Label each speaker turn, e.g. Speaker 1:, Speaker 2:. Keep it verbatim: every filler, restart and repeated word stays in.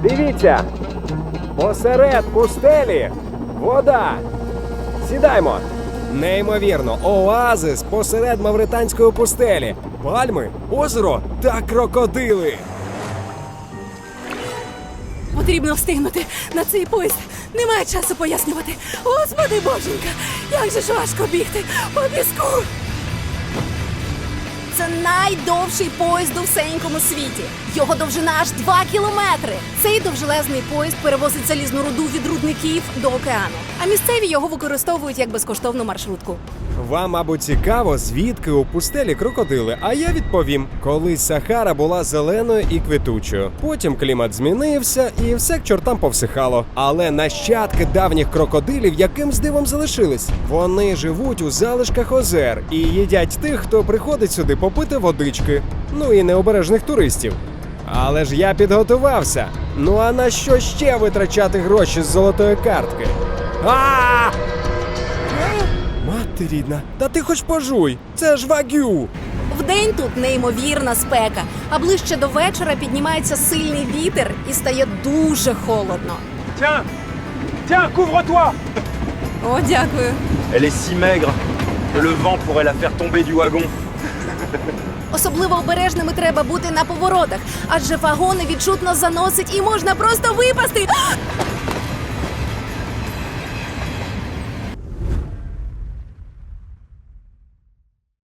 Speaker 1: Дивіться! Посеред пустелі вода! Сідаймо! Неймовірно, оазис посеред мавританської пустелі. Пальми, озеро та крокодили.
Speaker 2: Потрібно встигнути на цей поїзд. Немає часу пояснювати. Господи боженька, як же ж важко бігти по піску. Це найдовший поїзд у всенькому світі. Його довжина аж два кілометри. Цей довжелезний поїзд перевозить залізну руду від рудників до океану. А місцеві його використовують як безкоштовну маршрутку.
Speaker 1: Вам, мабуть, цікаво, звідки у пустелі крокодили, а я відповім. Колись Сахара була зеленою і квітучою. Потім клімат змінився і все к чортам повсихало. Але нащадки давніх крокодилів якимсь дивом залишились. Вони живуть у залишках озер і їдять тих, хто приходить сюди попити водички. Ну і необережних туристів. Але ж я підготувався. Ну а на що ще витрачати гроші з золотої картки? А! Мати рідна, та ти хоч пожуй, це ж вагю!
Speaker 2: Вдень тут неймовірна спека, а ближче до вечора піднімається сильний вітер і стає дуже холодно.
Speaker 3: Tiens Tiens, couvre-toi!
Speaker 2: О, дякую.
Speaker 3: Elle est si maigre que le vent pourrait la faire tomber du wagon.
Speaker 2: Особливо обережними треба бути на поворотах, адже вагони відчутно заносить і можна просто випасти. А!